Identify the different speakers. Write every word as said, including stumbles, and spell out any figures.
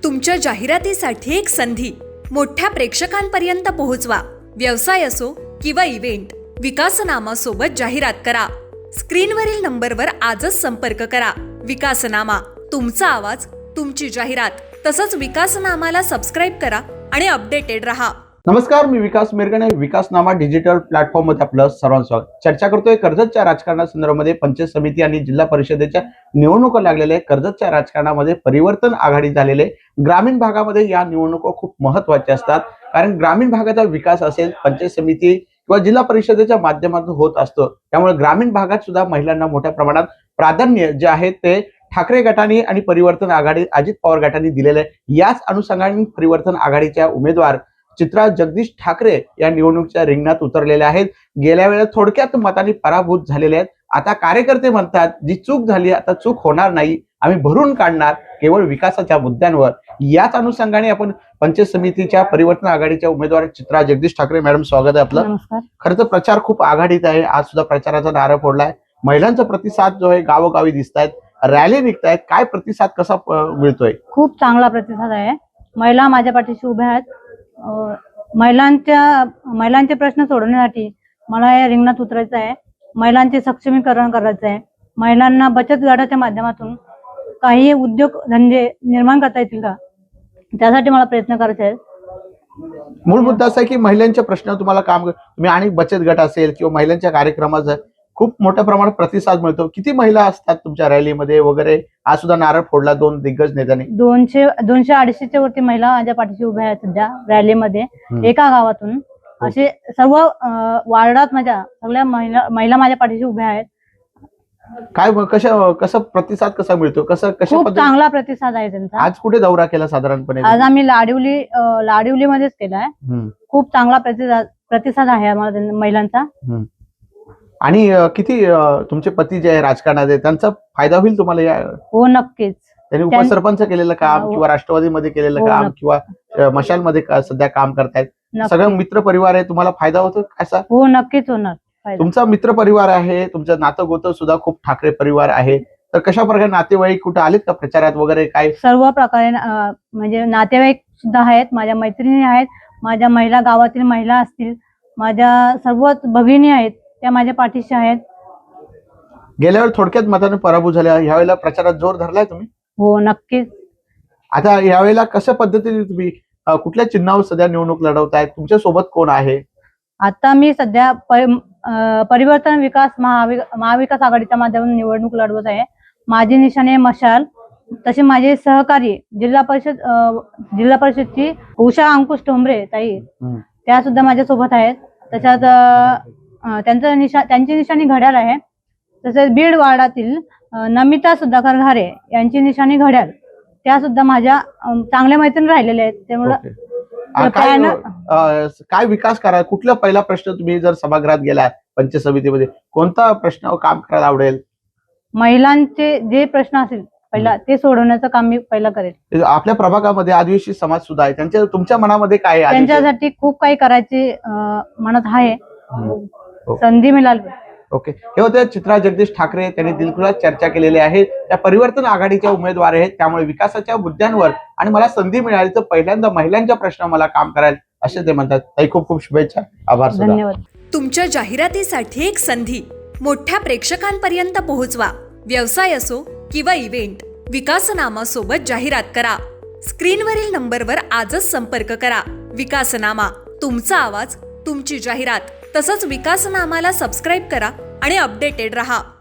Speaker 1: तुमच्या जाहिरातीसाठी एक संधी मोठ्या प्रेक्षकांपर्यंत पोहोचवा. व्यवसाय असो किंवा इव्हेंट, विकासनामा सोबत जाहिरात करा. स्क्रीनवरील नंबरवर आजच संपर्क करा. विकासनामा, तुमचा आवाज, तुमची जाहिरात. तसंच विकासनामाला सबस्क्राईब करा आणि अपडेटेड रहा.
Speaker 2: नमस्कार, मी विकास मिरगणे. विकासनामा डिजिटल प्लॅटफॉर्म मध्ये आपलं सर्वांचं स्वागत. चर्चा करतोय कर्जतच्या राजकारणासंदर्भामध्ये. पंचायत समिती आणि जिल्हा परिषदेच्या निवडणुका लागलेल्या आहेत. कर्जतच्या राजकारणामध्ये परिवर्तन आघाडी झालेले. ग्रामीण भागामध्ये या निवडणुका खूप महत्त्वाच्या असतात, कारण ग्रामीण भागाचा विकास असेल पंचायत समिती किंवा जिल्हा परिषदेच्या माध्यमातून होत असतो. त्यामुळे ग्रामीण भागात सुद्धा महिलांना मोठ्या प्रमाणात प्राधान्य जे आहे ते ठाकरे गटाने आणि परिवर्तन आघाडी अजित पवार गटाने दिलेले आहे. याच अनुषंगाने परिवर्तन आघाडीच्या उमेदवार चित्रा जगदीश ठाकरे या निवडणुकीच्या रिंगणात उतरलेल्या आहेत. गेल्या वेळेला थोडक्यात मतांनी पराभूत झालेले आहेत. आता कार्यकर्ते म्हणतात जी चूक झाली आता चूक होणार नाही, आम्ही भरून काढणार केवळ विकासाच्या मुद्द्यांवर. याच अनुषंगाने आपण पंचायत समितीच्या परिवर्तन आघाडीच्या उमेदवार चित्रा जगदीश ठाकरे मॅडम, स्वागत आहे आपलं. खरं तर प्रचार खूप आघाडीत आहे. आज सुद्धा प्रचाराचा नारा फोडलाय. महिलांचा प्रतिसाद जो आहे गावोगावी दिसत आहेत, रॅली निघतायत. काय प्रतिसाद कसा मिळतोय?
Speaker 3: खूप चांगला प्रतिसाद आहे. महिला माझ्या पाठीशी उभ्या आहेत. महिलांच्या महिलांचे प्रश्न सोडवण्यासाठी मला या रिंगणात उतरायचं आहे. महिलांचे सक्षमीकरण करायचं आहे. महिलांना बचत गटाच्या माध्यमातून काही उद्योग धंदे निर्माण करता येतील का, त्यासाठी मला प्रयत्न करायचे आहेत.
Speaker 2: मूळ मुद्दा असा आहे की महिलांच्या प्रश्न तुम्हाला काम तुम्ही आणि बचत गट असेल किंवा महिलांच्या कार्यक्रमाचा खूप मोठ्या प्रमाणात प्रतिसाद मिळतो. किती महिला असतात तुमच्या रॅलीमध्ये वगैरे? आज सुद्धा नारळ फोडला दोन दिग्गज नेत्यांनी.
Speaker 3: दोनशे दोनशे अडीचशेच्या वरती महिला माझ्या पाठीशी उभ्या आहेत सध्या रॅलीमध्ये. एका गावातून असे सर्व वार्डात माझ्या सगळ्या महिला महिला माझ्या पाठीशी उभ्या आहेत.
Speaker 2: काय कशा कसा प्रतिसाद कसा मिळतो? कसं कशा
Speaker 3: खूप चांगला प्रतिसाद आहे त्यांचा.
Speaker 2: आज कुठे दौरा केला साधारणपणे?
Speaker 3: आज आम्ही लाडिवली लाडिवली मध्येच केलाय. खूप चांगला प्रतिसाद प्रतिसाद आहे आम्हाला महिलांचा.
Speaker 2: आणि किती तुमचे पती जे आहे राजकारणात आहे त्यांचा फायदा होईल तुम्हाला या?
Speaker 3: हो, नक्कीच.
Speaker 2: त्यांनी उपसरपंच केलेलं काम किंवा राष्ट्रवादीमध्ये केलेलं काम किंवा मशालमध्ये सध्या काम करतायत, सगळं मित्र परिवार आहे, तुम्हाला फायदा होतो कसा?
Speaker 3: हो, नक्कीच होणार.
Speaker 2: तुमचा मित्र परिवार आहे, तुमचं नातं गोतं सुद्धा खूप ठाकरे परिवार आहे, तर कशा प्रकारे नातेवाईक कुठे आलेत का प्रचारात वगैरे? काय
Speaker 3: सर्व प्रकारे म्हणजे नातेवाईक सुद्धा आहेत, माझ्या मैत्रिणी आहेत, माझ्या महिला गावातील महिला असतील, माझ्या सर्व भगिनी आहेत, त्या माझ्या पाठीशी आहेत.
Speaker 2: गेल्या वेळी थोडक्यात मताने पराभूत झाल्या, यावेळेला प्रचारात जोर धरलाय तुम्ही?
Speaker 3: हो, नक्कीच.
Speaker 2: आता यावेळेला कशा पद्धतीने तुम्ही कुठल्या चिन्हावर सध्या निवडणूक लढवताय? तुमच्या सोबत कोण आहे?
Speaker 3: आता मी सध्या परिवर्तन विकास महाविकास आघाडीच्या माध्यमातून निवडणूक लढवत आहे. माझी निशाणे मशाल. तसे माझे सहकारी जिल्हा परिषद जिल्हा परिषदची उषा अंकुश ठोंबरे ताई, त्या सुद्धा माझ्या सोबत आहेत. त्याच्यात त्यांचं निशा त्यांची निशाणी घड्याळ आहे. तसेच बीड वार्डातील नमिता सुधाकर घारे यांची निशाणी घड्याळ, त्या सुद्धा माझ्या चांगल्या मैत्रिणी राहिलेल्या आहेत. त्यामुळे
Speaker 2: काय विकास करा? कुठला पहिला प्रश्न तुम्ही जर सभागृहात गेला पंचायत समितीमध्ये, कोणता प्रश्न काम करायला आवडेल?
Speaker 3: महिलांचे जे प्रश्न असेल पहिला ते सोडवण्याचं काम मी पहिला करेल.
Speaker 2: आपल्या प्रभागामध्ये आदिवासी समाज सुद्धा आहे, त्यांच्या तुमच्या मनामध्ये काय आहे?
Speaker 3: त्यांच्यासाठी खूप काही करायचे मनात आहे. संधी मिळाली.
Speaker 2: ओके, हे होते चित्रा जगदीश ठाकरे. त्यांनी दिलखुलास चर्चा केलेली आहे. त्या परिवर्तन आघाडीच्या उमेदवार आहेत, त्यामुळे विकासाच्या मुद्द्यांवर आणि मला संधी मिळाली तर पहिल्यांदा महिलांच्या प्रश्न मला काम करायला, असे ते म्हणतात. ताई, खूप खूप शुभेच्छा. आभार.
Speaker 3: धन्यवाद.
Speaker 1: तुमच्या जाहिरातीसाठी एक संधी मोठ्या प्रेक्षकांपर्यंत पोहोचवा. व्यवसाय असो किंवा इव्हेंट, विकासनामा सोबत जाहिरात करा. स्क्रीनवरील नंबरवर आजच संपर्क करा. विकासनामा, तुमचा आवाज, तुमची जाहिरात. तसंच विकासनामाला सबस्क्राईब करा आणि अपडेटेड रहा.